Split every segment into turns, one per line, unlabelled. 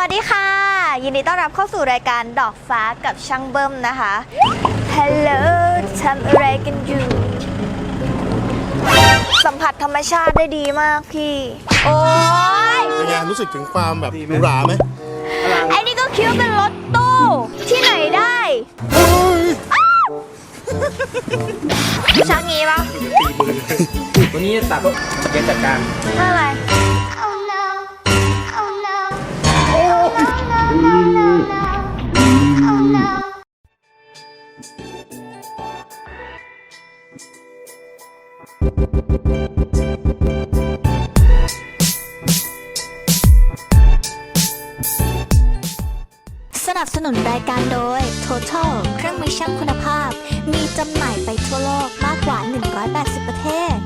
วัสดีค่ะยินดีต้อนรับเข้าสู่รายการดอกฟ้ากับช่างเบิ้มนะคะฮัลโหลทำอะไรกันอยู่สัมผัสธรรมชาติได้ดีมากพี่โอ้ย
เป็นไงรู้สึกถึงความแบบหรูหราไหม
ไอ้นี่ก็คิดว่าเป็นรถตู้ที่ไหนได้ชักงี้ปะ
วันนี้ตัดเกณฑ์จัดการ
อะไรสนับสนุนรายการโดย Total เครื่องมือช่างคุณภาพมีจำหน่ายไปทั่วโลกมากกว่า180ประเทศ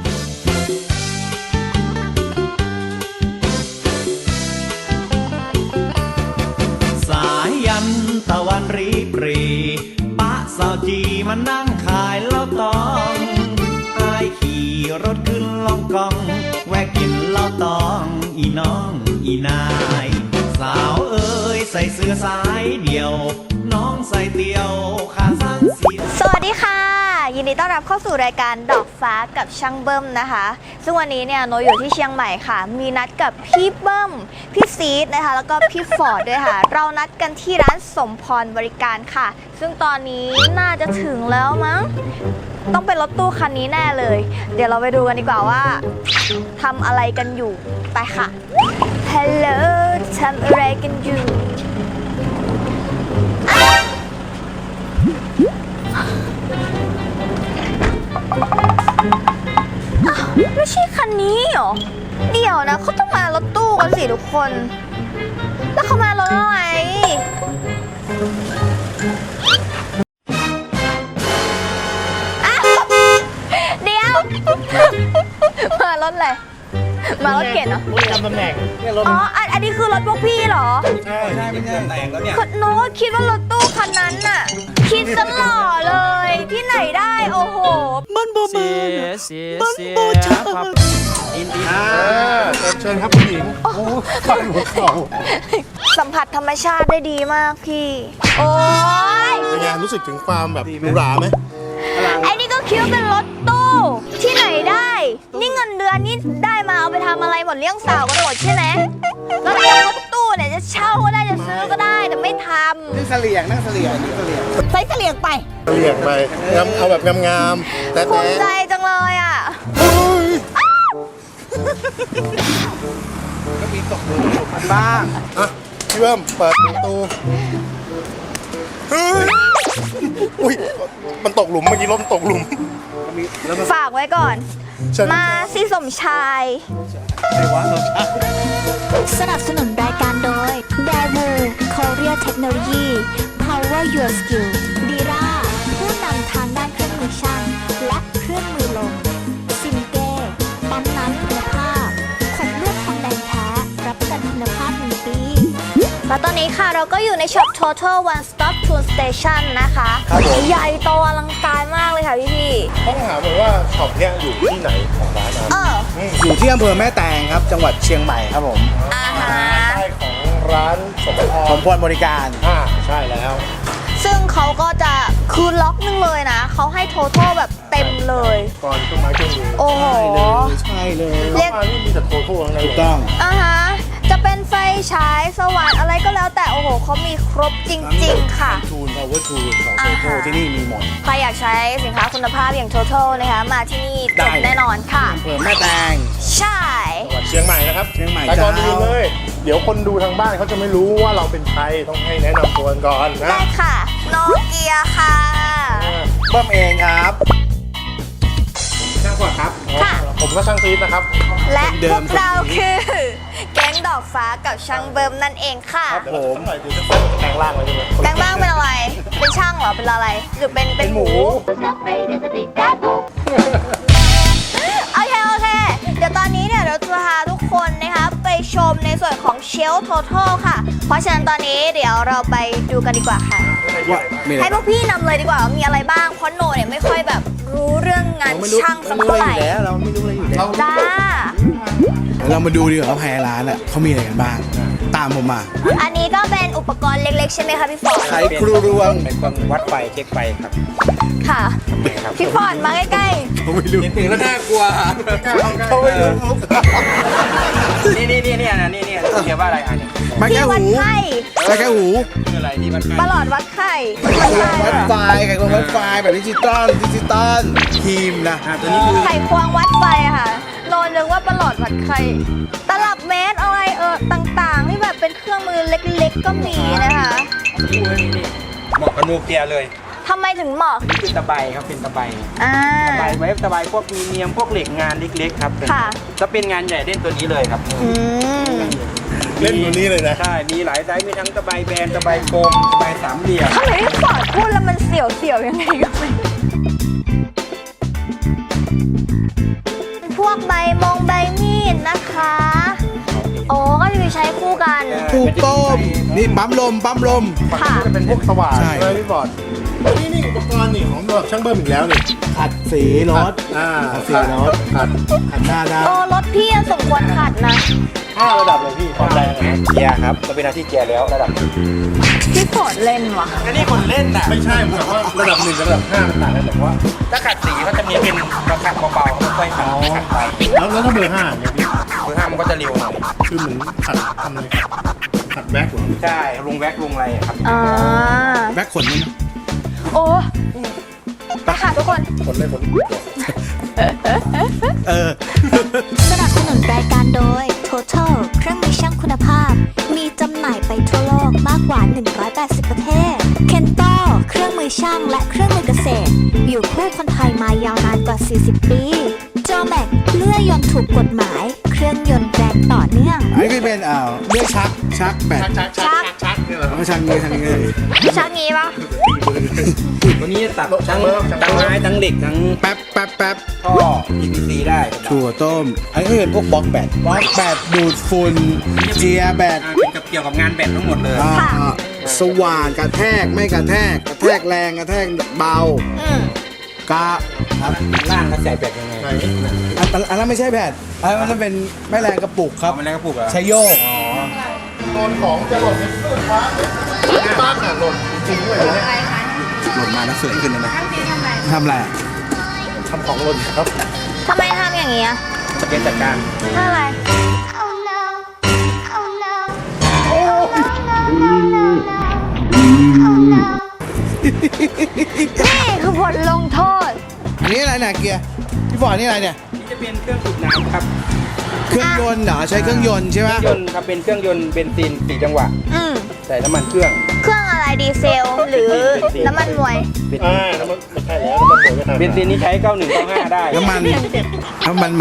สายยันตะวันรีปรีปะสาวจีมานั่งขายเหล้าตองอายขี่รถขึ้นล่องกองแวะกินเหล้าตองอีน้องอีนายสาวเอ้ยใส่เสื้อสายเดี่ยวน้องใส่เตียวขาสั้นสี
สวัสดีค่ะยินดีต้อนรับเข้าสู่รายการดอกฟ้ากับช่างเบิ้มนะคะซึ่งวันนี้เนี่ยโนอยู่ที่เชียงใหม่ค่ะมีนัดกับพี่เบิ้มพี่ซีดนะคะแล้วก็พี่ฟอร์ดด้วยค่ะเรานัดกันที่ร้านสมพรบริการค่ะซึ่งตอนนี้น่าจะถึงแล้วมั้งต้องเป็นรถตู้คันนี้แน่เลยเดี๋ยวเราไปดูกันดีกว่าว่าทำอะไรกันอยู่ไปค่ะฮัลโหลทำอะไรกันอยู่ไม่ใช่คันนี้หรอเดี๋ยวนะเขาต้องมารถตู้กันสิทุกคนแล้วเขามารถอะไรเดี๋ยวมารถอะไรมารถเก๋งเหรอ
รถจำตำแหน่งเนี่ยรถ
อ๋ออันนี้คือรถพวกพี่เหรอ
ใช่
ไม่ใช่แต่งแล้วเนี่ย
โน้คิดว่ารถตู้คันนั้นน่ะคิดซะหล่อเลยที่ไหนได้โอ้โห
มันบ่มาเสียครับอิน
เชิญครับคุณหญิงโอ้ฟังหัวเข่า
สัมผัสธรรมชาติได้ดีมากพี่โอ้ย
เป็นไงรู้สึกถึงความแบบหรูหราไหม
ไอ้นี่ก็คิดว่าเป็นรถตู้ที่ไหนได้นี่เงินเดือนนี่ได้มาเอาไปทำอะไรหมดเลี้ยงสาวกันหมดใช่ไหมแล้วรถตู้เนี่ยจะเช่าก็ได้จะซื้อก็ได้แต่ไม่ทำ
นั่งเสลี่ยง
ใส่เสลี่ยงไป
เรียกไปเอาแบบงามๆแต่
ภูมิใจจังเลยอ่ะ
ก็มีตกหลุมบ้าง
อ่ะพี่เบิ้มเปิดประตูอุ้ยมันตกหลุมเมื่อกี้รถตกหลุม
ฝากไว้ก่อนมาสิสมชายสนับสนุนรายการโดย Daewoo Korea Technology Power Your Skill Dira ผู้นำทางด้านเครื่องมือช่างและเครื่องมือลมซิมเก้ปั๊มน้ำคุณภาพขนลวดทองแดงแท้รับประกันคุณภาพ1 ปีและตอนนี้ค่ะเราก็อยู่ในช็อป Total One Stop Tool Station นะคะใหญ่โตอลังการมากเลยค่ะพี่
ต้องถามเลยว่าช็อปเนี้ยอยู่ที่ไหนของร้านนั้น
อยู่ที่อำเภอแม่แตงครับจังหวัดเชียงใหม่ครับผม
ใช่ของร้าน
สมพรบริการ
ใช่แล้ว
ซึ่งเขาก็จะคืนล็อกนึงเลยนะเขาให้ Total แบบเต็มเลย
ก่อนเครื่องไม้เครื่องมือ
โอ้โห
ใช่เลย
เรียกนี่มีแต่ Total ทั้งนั้น
ถูกต้อง
จะเป็นไฟฉายสว่านอะไรก็แล้วแต่โอ้โหเขามีครบจริงๆค่ะ
ทูล power tool ของ Total ที่นี่มีหมด
ใครอยากใช้สินค้าคุณภาพอย่าง Total นะคะมาที่นี่จบแน่นอนค่ะ
อำเภอแม่แตง
ใช่
จังหวัดเชียงใหม่นะครับ
เชียงใหม่
แต่ก่อนอื่นเลยเดี๋ยวคนดูทางบ้านเขาจะไม่รู้ว่าเราเป็นใครต้องให้แนะนำตัวก่อนนะ
ได้ค่ะโนเกียค่ะ
เบิ้มเองครับ
ช่างขวดครับผมก็ช่างซีดนะครับ
และพวกเราคือแก๊งดอกฟ้ากับช่างเบิ้มนั่นเองค่ะ
ผมหน่อยดูจะแปลงร่างเลยใช่ไหม
แปลงร่างเป็นอะไรเป็นช่างเหรอเป็นอะไรหรือเป็นหมูโอเคเดี๋ยวตอนนี้เนี่ยเราจะพาทุกคนนะคะไปชมในส่วนของเชลฟ์ Total ค่ะเพราะฉะนั้นตอนนี้เดี๋ยวเราไปดูกันดีกว่าค่ะให้พวกพี่นำเลยดีกว่ามีอะไรบ้างเพราะโนเนี่ยไม่ค่อยแบบรู้เรื่องงานช่างสักเท่าไหร่
เราไม่รู้อะไรอยู่แล้ว
จ้า
เรามาดูดีกว่าว่าภายในร้านอ่ะเขามีอะไรกันบ้าง
ตามผมมา
อันนี้ก็เป็นอุปกรณ์เล็กๆใช่ไหมคะพี่ฟอร์ด
ไขครูรวง
เป็นเครื่องวัดไฟเช็คไฟครับ
ค่ะ พี่ฟอร์ดมาใกล้
ผมไม่รู้
เห็นถึงแล้วน่ากลัว
เขาไม่รู้
นี่เรียกว่าอะไรอ่ะเนี่ย
ไม่
ๆ
แค่
ที่วัด
หู
ไข้
ไม่แค่หู
คืออะไรที่วัดไฟ
ประหลอดวัดไข้
วัดไฟไขควงวัดไฟแบบดิจิตอลทีมนะ
ตัวนี้คือ
ไขควงวัดไฟอะค่ะโนนึกว่าประหลอดวัดไข้ตลับเมตรอะไรต่างๆที่แบบเป็นเครื่องมือเล็กๆก็มีนะคะ
นี่เหมาะกับนูเกียเลย
ทำไมถึงเหมาะ
นี่คือตะไบครับเป็นตะไบ
อ่า
ตะไบไว้ตะไบพวกมีเนียมพวกเหล็กงานเล็กๆครับ
ค่ะ
จะเป็นงานใหญ่เล่นตัวนี้เลยครับ
อืม
เล่นตัวนี้เลยนะ
ใช่มีหลายไซส์มีทั้งตะไบแบนตะไบโฟมตะไบสามเหลี่ยม
ทำไมพี่ฟอร์ดพูดแล้วมันเสียวๆยังไงก็ไม่รู้พวกใบมีดนะคะโอ้ก็คือใช้คู่กัน
ถูกต้มนี่ปั๊มลม
ค่ะ
จะเป็นพวกสว่าน
ใช่
ใช่ไหมพี่บอดนี่อุปกรณ์นี่ของแบบช่างเบิ้มอีกแล้วนี่
ขัดสีรถ
ขัด
สีรถ
ขัด
ขัดหน้าได้
โอ้รถพี่สมควรขัดนะ
5 ระดับเลยพี่ความแรงนะ
เกียร์ครับจะเป็นหน้าที่เกียร์แล้วระดับ
พี่ฟอร์ดเล่นว่ะ
ก็นี่คนเล่นน่ะ
ไม่ใช่เหมือนว่าระดับ1กับระดับ5มันต่างกันแต่ว่า
ถ้าขัดสีก็จะมีเป็นกระขัดเบาๆค่อยๆขัดขัดไป
แล้วถ้าเบอร์5เนี่ยพี่
เบอร์ห้ามันก็จะเร็วหน่อย
คือเหมือนขัดทำอะไรขัดแบ็คเหรอ
ใช่ลงแว็กลงอะไรอะครับ
อ่า
แบ็คขนนี่นะ
โอ้ไปค่ะทุกคน
ผลเลยผล
เออ
สนับสนุนรายการโดย Total เครื่องมือช่างคุณภาพ มีจำหน่ายไปทั่วโลกมากกว่า 180 ประเทศ Kento เครื่องมือช่างและเครื่องมือเกษตร อยู่คู่คนไทยมายาวนานกว่า 40 ปี Jomax เลื่อยยนต์ถูกกฎหมาย เครื่องยนต์แรงต่อเนื่อง
อันนี้ก็เป็นเลื่อยชักแบต
ชักเนี่ยเหรอ
เอาชักนี้ชักนี้
ชักงี้ปะ
วันนี้ตัดทั้งไม้ทั้งเหล็กทั้ง
แป๊บ
ท่อ PVC ได้ครับ
ถั่วต้ม อันนี้ก็เป็นพวกบล็อกแบตดูดฝุ่นเจียแบต
เป็นกับเกี่ยวกับงานแบตทั้งหมดเลย
สว่านกระแทกไม่กระแทกแรงกระแทกเบา
อืม
กะ
ล่างเขาใส่แบตยังไง
ไหน
อันนั้นไม่ใช่แบตอันนั้นเป็นแม่แรงกระปุกครับ
มันแล้วก็ปลูกเหรอ
ใช้โยก
โดนของจะหล่นในเครื่องฟ้าบ้านอ่ะหล่นจริงๆด้วยเนี่ย
หล่นมาแล้วสวยขึ้นเลยนะทำอะไร
ทำของหล่นครับ
ทำไมทำอย่างนี้อะ
จะเป็นจัดการ
ถ้าอะไร นี่คือบทลงโทษ
อันนี้อะไรเนี่ยเกียร์พี่ฟอร์ดนี่อะไรเนี่ย
นี่จะเป็นเครื่องสูบน้ำครับ
เครื่องยนต์เหรอใช้เครื่องยนต์ใช่ไหม
เครื่องยนต์ครับเป็นเครื่องยนต์เบนซิน4จังหวะ
อืม
ใส่น้ำมันเครื่อง
เครื่องอะไรดีเซล หรือน้ำมันมวย
เบน
แล้วมันไม่ใช่แล้วมันเหมือนกัน
เบนซินนี่ใช้9195ได้
น้ำมันหมา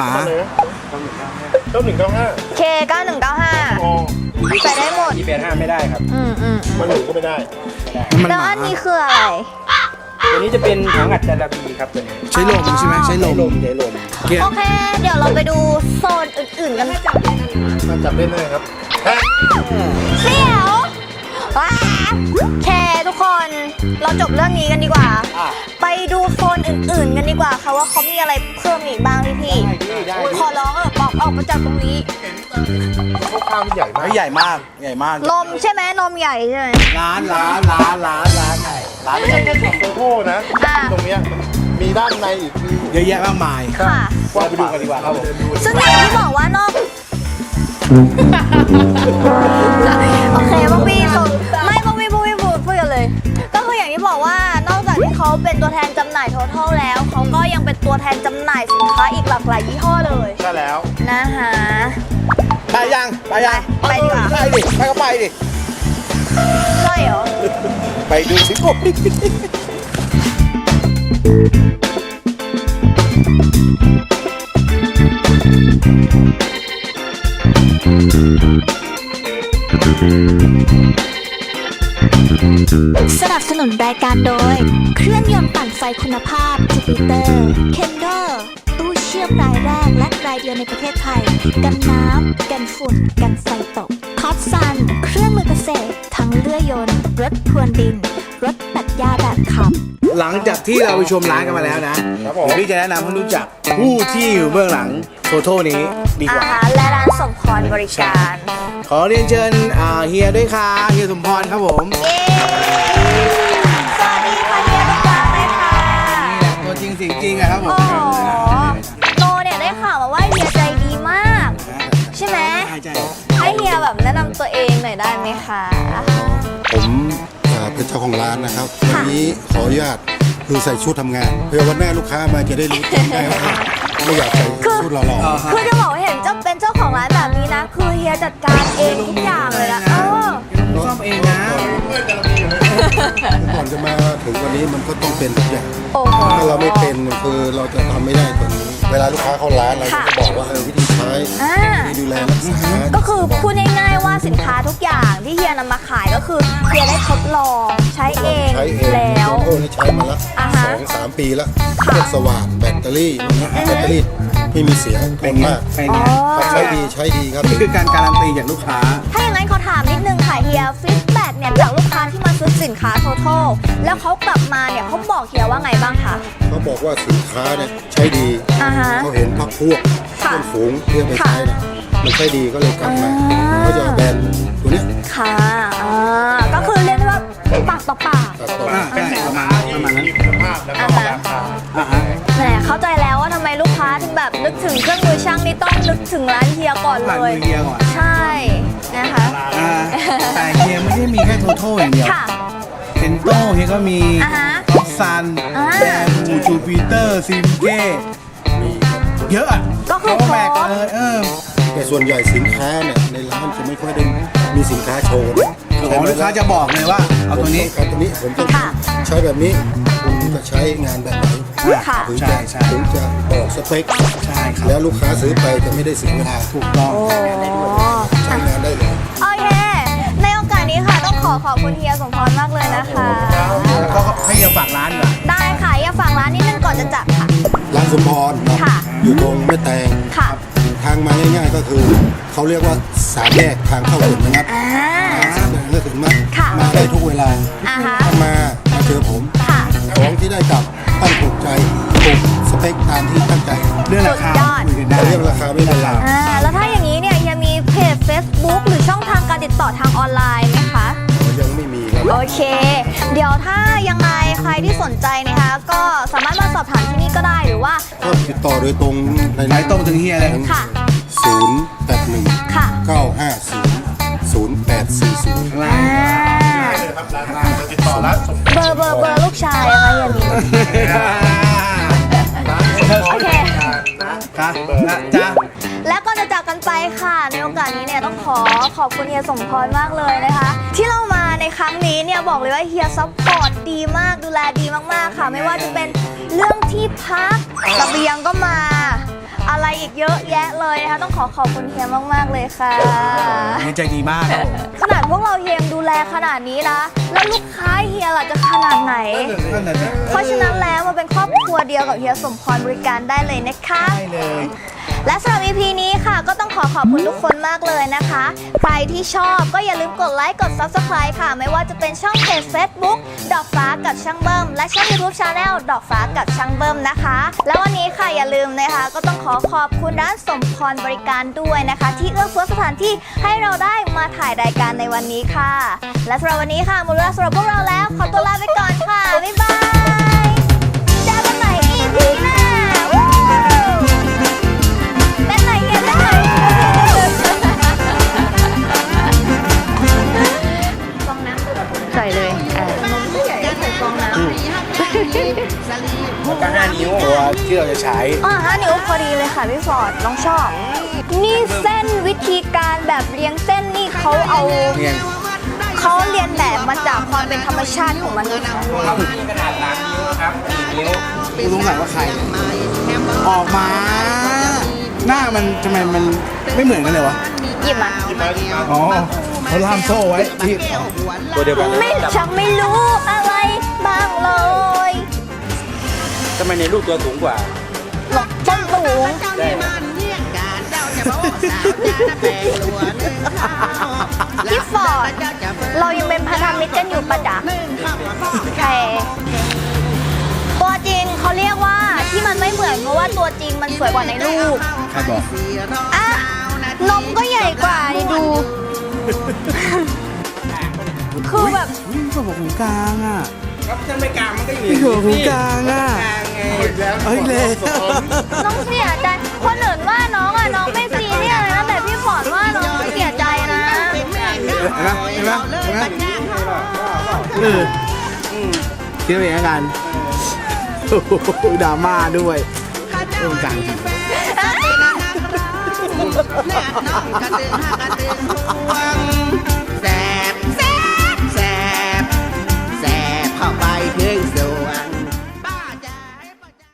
9195
K 9195
อ๋อ
ใส่ได้หมด
285ไม่ได้ครับ
อืม
มันหนูก็ไม่ได้
น้ำมัน
แล้ว
หมา
อันนี้คืออะไร
ตัวนี้จะเป็นถังอัดจาระบีครับตัวนี้
ใช้ลมใช่ไหมใช้ลม
ใช้ลม
เกียร์
โอเค เดี๋ยวเราไปดูโซนอื่นๆกัน
มาจับเล่นได้ครับแท็ก
เสี่ยวว้าแคทุกคน เราจบเรื่องนี้กันดีกว่า ไปดูโซนอื่นๆกันดีกว่าค่ะว่าเขามีอะไรเพิ่มอีกบ้างพี่ขอร้องบอกออกมาจากตรงนี้
ข้าวมันใหญ่มาก
ใหญ่มากใหญ่มาก
นมใช่ไหมนมใหญ่ใช่ไหม
ร้าน
ไม่ใช่แค่ของโตโต้นะ
อ่า
ตรงเนี้ยมีด้านในอีกมี
เยอะแยะมากมาย
ค่ะ
ว่าไปดูกันดีกว่าครับผม
ซึ่งอย่างที่บอกว่านอก โอเคพวกพี่ส่งไม่พวกพี่พูดกันเลย ก็คืออย่างที่บอกว่านอกจากที่เขาเป็นตัวแทนจำหน่าย Total แล้วเขาก็ยังเป็นตัวแทนจำหน่ายสินค้าอีกหลากหลายยี่ห้อเลย
ใช่แล้ว
นะคะ
ไปยัง
ไปดีกว่า
ไปดิไปก็ไปดิ
ใช่เหรอ
ไปดูสิโอ้ย
สนับสนุนรายการโดย เครื่องยนต์ปั่นไฟคุณภาพ Jupiter Kendo ตู้เชื่อมรายแรกและรายเดียวในประเทศไทย กันน้ำ กันฝุ่น กันไฟตกท็อปซัน เครื่องมือเกษตร ทั้งเลื่อยยนต์ รถพรวนดิน รถตัดหญ้าแบบขับ
หลังจากที่เราไปชมร้านกันมาแล้วนะเดี๋ยวพี่จะแนะนำให้รู้จักผู้ที่อยู่เบื้องหลังโทโทนี้ดีก
อา
ว่า
หารและร้านสมพรบริการ
ขอเรียนเชิญเฮียด้วยค่ะเฮียสมพรครับผม
เย้สวัสดีค่ะเฮียตุ๊กตาเลยค่ะ
นี่แหละตัวจริงเสียงจริงอะครับผม
โอ้โหโนเนี่ยได้ข่าวมาว่าเฮียใจดีมาก ใช่ไหม
ใช่
ให้เฮียแบบแนะนำตัวเองหน่อยได้ไหมคะ
ผมเป็นเจ้าของร้านนะครับ วันนี้ขออนุญาตคือใส่ชุดทำงาน เพื่อวันหน้าลูกค้ามาจะได้รู้จักได้ว่าไม่อยากใส่ชุดหล่อ
คือจะบอกว่าเห็นเป็นเจ้าของร้านแบบนี้นะ คือเฮียจัดการเองทุกอย่างเลยนะ
ซ่อมเองนะ
ๆก่อนจะมาถึงวันนี้มันก็ต้องเป็นทุกอย่าง
โอ้โห
ถ้าเราไม่เป็นคือเราจะทำไม่ได้ตัวนี้ เวลาลูกค้าเข้าร้านเราก็จะบอกว่าวิธีใช้
อ่า
วิธีดูแลรักษา
ก็คือพูดง่ายๆว่าสินค้าทุกอย่างที่เฮียนำมาขายก็คือเฮียได้ทดลองใช้เอง
ใช้เอง
แล้ว
โอ้นี่ใช้มาละ
อ่าฮะ
2-3 ปีแล้วพวกสว่านแบตเตอรี่พวกนี้แบตเตอรี่ไม่มีเสียงทนมาก
เป็นไง
ครับใช้ดีครับ
นี่คือการการันตีจากลูกค้า
ถ้าอย่างนั้นขอถามนิดนึงค่ะเฮียฟีดแบ็กเนี่ยจากลูกค้าที่มาซื้อสินค้า Total แล้วเขากลับมาเนี่ยเขาบอกเฮียว่าไงบ้างคะ
เขาบอกว่าสินค้าเนี่ยใช้ดี
อ่าฮะ
เขาเห็นพักพวก
ค่ะ
เพื่อนฝูงเพื่อนไปใช้เนี่ยมันใช้ดีก็เลยกลับมาเขาจะเอาแบรนด์ตัวเนี้ย
ค่ะก็คือเรียกได้ว่าปากต่อปาก
ตัดต่อ
ใช่ประมาณนั้น
คุณภาพแล้วก็ราคา
แหมเข้าใจแล้วว่าทำไมลูกค้าถึงแบบนึกถึงเครื่องมือช่างนี่ต้องนึกถึงร้านเฮียก่อนเล
ผ่าน
ย
มือเฮียก่อน
ใช่นะคะ
แต่เฮียไม่ได้มีแค่โทโต้อย่างเดียว
ค่ะ
เซนโต้เฮียก็มี
อ่าฮะ
ท็อปซัน
อ่า
แบมูจูปิเตอร์ซิมเก้เยอะอะ
ก็คือ
แบก
ครบ
แต่ส่วนใหญ่สินค้าเนี่ยในร้านจะไม่ค่อยได้มีสินค้าโชว์นะ
ของลูกค้าจะบอกเลยว่าเอาตัวนี้
ผมต้องการตัวนี้ผมต้อง
ค่ะ
ใช้แบบนี้คุณจะใช้งานแบบไหน
ค่ะ
ถึง
ใช่
จะ
ใช่
ถึงจะบอกสเปค
ใช่ครับ
แล้วลูกค้าซื้อไปจะไม่ได้เสียเวลา
ถูกต้อง
โอ้
ใช้งานได้เลย
โอเค ในโอกาสนี้ค่ะต้องขอบคุณเฮียสมพรมากเลยนะคะ
แล้วก็ให้เฮียฝากร้านดีกว่า
ได้ค่ะอย่าฝากร้านนิดนึงก่อนจะจับค่ะ
ร้านสมพรเนาะ
ค่ะ
อยู่ตรงแม่แตง
ค่ะ
ทางมาง่ายๆก็คือเขาเรียกว่าสามแยกทางเข้าถึงนะครับ
อ่า
สามแยกก็ถึงมา
ค่ะ
มาได้ทุกเวลา
อ่าฮะ
ถ้ามาเจอผม
ค่ะ
ของที่ได้กลับต้องถูกใจถูกสเปคตามที่ตั้งใจ
เรื่องราคา
สุดยอด
คุยกันได้
เรื่องราคาไม่เป็นไร
แล้วถ้าอย่างนี้เนี่ยยังมีเพจ Facebook หรือช่องทางการติดต่อทางออนไลน์ไหมคะ
ยังไม่มีครับ
โอเค เดี๋ยวถ้ายังไงใครที่สนใจนะคะ ก็สามารถมาสอบถามที่นี่ก็ได้หรือว่า
ก็ติดต่อโดยตรงใน
ไหนตรงถึงเฮียเลย
ค่ะ
081
ค่ะ
950 0840
อ่า
ติดต่อร้านสม
เบอร์ลูกชายอะคะอย่าลืมโอเค
ครับนะจ๊ะ
แล้วก็จะจากกันไปค่ะ ในโอกาสนี้เนี่ยต้องขอบคุณเฮียสมพรมากเลยนะคะ ที่เรามาในครั้งนี้เนี่ยบอกเลยว่าเฮียซัพพอร์ตดีมากดูแลดีมากๆค่ะ ไม่ว่าจะเป็นเรื่องที่พักเสบียงก็มา อะไรอีกเยอะแยะเลยนะคะต้องขอบคุณเฮียมากๆเลยค่ะ
เฮียใจดีมากครับผม
ขนาดพวกเราเฮียยังดูแลขนาดนี้นะแล้วลูกค้าเฮียล่ะจะขนาดไหน
นั่นน่ะสิ
เพราะฉะนั้นแล้วมาเป็นครอบครัวเดียวกับเฮียสมพรบริการได้เลยนะคะ
ได้เลย
และสำหรับ EP นี้ค่ะก็ต้องขอบคุณทุกคนมากเลยนะคะ ใครที่ชอบก็อย่าลืมกดไลค์กด Subscribe ค่ะ ไม่ว่าจะเป็นช่องเพจ Facebook ดอกฟ้ากับช่างเบิ้มและช่อง YouTube Channel ดอกฟ้ากับช่างเบิ้มนะคะ แล้ววันนี้ค่ะอย่าลืมนะคะก็ต้องขอบคุณร้านสมพรบริการด้วยนะคะ ที่เอื้อเฟื้อสถานที่ให้เราได้มาถ่ายรายการในวันนี้ค่ะ และสำหรับวันนี้ค่ะหมดเวลาสำหรับพวกเราแล้วขอตัวลาไปก่อนค่ะบ๊ายบายเจอกันใหม่ EP หน้าวู้เต้นไหนเฮียเต้นไหนฟองน้ำใส่เลยใส่ฟองน้ำ
ก็5 นิ้วตัวที่เราจะใช้
5 นิ้วพอดีเลยค่ะพี่ฟอร์ดน้องชอบ นี่เส้นวิธีการแบบเรียงเส้นนี่เขาเอา
เรียง
เขาเรียนแบบมาจากความเป็นธรรมชาติของมันนะคะ
กูสงสัยว่าใคร ออกมา หน้ามันทำไมมันไม่เหมือนกันเลยวะ
หยิบมา
อ๋อเขาล่ามโซ่ไว้ที่ตัวเดียวกัน
ไม่ชักไม่รู้อะไรบ้างเลย
ทำไมในรูปตัวสูงกว่า
หลบต้นสูงพี่ฟอร์ดเรายังเป็นพันธมิตรกันอยู่ปะจ๊ะแค่ตัวจริงเขาเรียกว่าที่มันไม่เหมือนเพราะว่าตัวจริงมันสวยกว่าในรูป
ใครบอก
อ่ะนมก็ใหญ่กว่านี่ดู คือแบบ
อุ้ยหัวหูกลางอ่ะ
ครับถ้าไม่กลางมันก็อยู่
หัวหูกลางอ่ะ
อีกแล้ว
เอ้ยเลย
น้องเสียใจคนอื่นว่าน้องอ่ะน้องไม่ซีเรียสเลยนะแต่พี่ฟอร์ดว่าน้องเสียใจนะ
เห็นไหมเห็นไหมเห็นไหมคิดว่าอย่างกันโอ้โหดราม่าด้วยตรงกลาง
แม่น้องกระเดือหัก